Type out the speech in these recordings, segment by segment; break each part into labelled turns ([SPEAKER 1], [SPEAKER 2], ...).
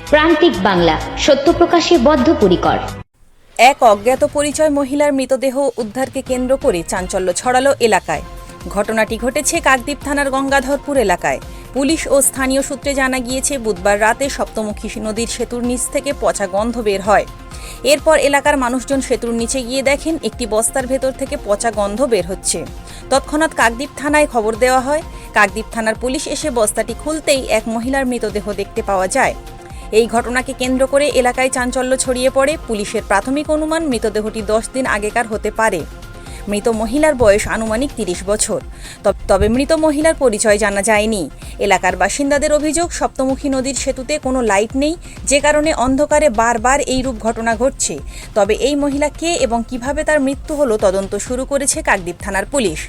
[SPEAKER 1] প্রান্তিক বাংলা, সত্য প্রকাশে বদ্ধপরিকর।
[SPEAKER 2] এক অজ্ঞাত পরিচয় মহিলার মৃতদেহ উদ্ধারকে কেন্দ্র করে চাঞ্চল্য ছড়ালো এলাকায়। ঘটনাটি ঘটেছে কাকদ্বীপ থানার গঙ্গাধরপুর এলাকায়। পুলিশ ও স্থানীয় সূত্রে জানা গিয়েছে, বুধবার রাতে সপ্তমুখী নদীর সেতুর নিচ থেকে পচা গন্ধ বের হয়। এরপর এলাকার মানুষজন সেতুর নিচে গিয়ে দেখেন একটি বস্তার ভেতর থেকে পচা গন্ধ বের হচ্ছে। তৎক্ষণাৎ কাকদ্বীপ থানায় খবর দেওয়া হয়। কাকদ্বীপ থানার পুলিশ এসে বস্তাটি খুলতেই এক মহিলার মৃতদেহ দেখতে পাওয়া যায়। এই ঘটনাকে কেন্দ্র করে এলাকায় চাঞ্চল্য ছড়িয়ে পড়ে। পুলিশের প্রাথমিক অনুমান, মৃতদেহটি 10 দিন আগেকার হতে পারে। মৃত মহিলার বয়স আনুমানিক 30 বছর। তবে মৃত মহিলার পরিচয় জানা যায়নি। এলাকার বাসিন্দাদের অভিযোগ, সপ্তমুখী নদীর সেতুতে কোনো লাইট নেই, যে কারণে অন্ধকারে বারবার এইরূপ ঘটনা ঘটছে। তবে এই মহিলা কে এবং কিভাবে তার মৃত্যু হলো, তদন্ত শুরু করেছে কাকদ্বীপ থানার পুলিশ।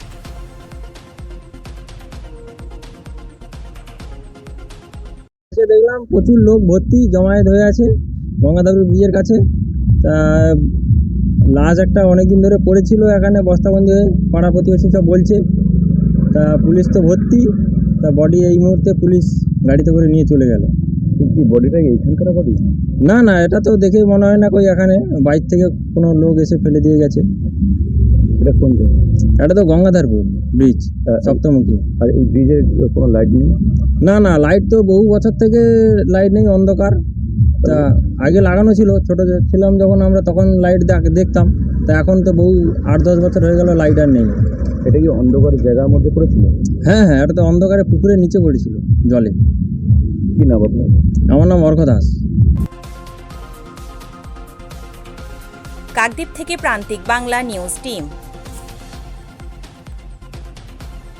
[SPEAKER 3] দেখলাম প্রচুর লোক ভর্তি জমায়েত হয়ে আছে গঙ্গাধরপুর ব্রিজের কাছে। তা লাশ একটা অনেকদিন ধরে পড়েছিল এখানে বস্তাবন্দি হয়ে, পাড়া প্রতিবেশী সব বলছে। তা পুলিশ তো ভর্তি, তা বডি এই মুহূর্তে পুলিশ গাড়িতে করে নিয়ে চলে গেল।
[SPEAKER 4] কি বডিটা এইখানকার বডি?
[SPEAKER 3] না না, এটা তো দেখে মনে হয় না কই এখানে বাইরে থেকে কোনো লোক এসে ফেলে দিয়ে গেছে।
[SPEAKER 4] এটা কোন জায়গা?
[SPEAKER 3] এটা তো গঙ্গাধরপুর ব্রিজ, সপ্তমুখী।
[SPEAKER 4] আর এই ব্রিজের কোনো লাইট নেই?
[SPEAKER 3] না না, লাইট তো বহু বছর থেকে লাইট নেই, অন্ধকার। তা আগে লাগানো ছিল, ছোট ছিলাম যখন আমরা, তখন লাইট দেখতাম। তা এখন তো বহু 8-10 বছর হয়ে গেল লাইট আর নেই।
[SPEAKER 4] এটা কি অন্ধকার জায়গার মধ্যে পড়েছিল?
[SPEAKER 3] হ্যাঁ হ্যাঁ, এটা তো অন্ধকারে পুকুরের নিচে পড়েছিল জলে।
[SPEAKER 4] কি নাম আপনার?
[SPEAKER 3] আমার নাম অর্ঘ দাস।
[SPEAKER 2] কাকদ্বীপ থেকে প্রান্তিক বাংলা নিউজ টিম।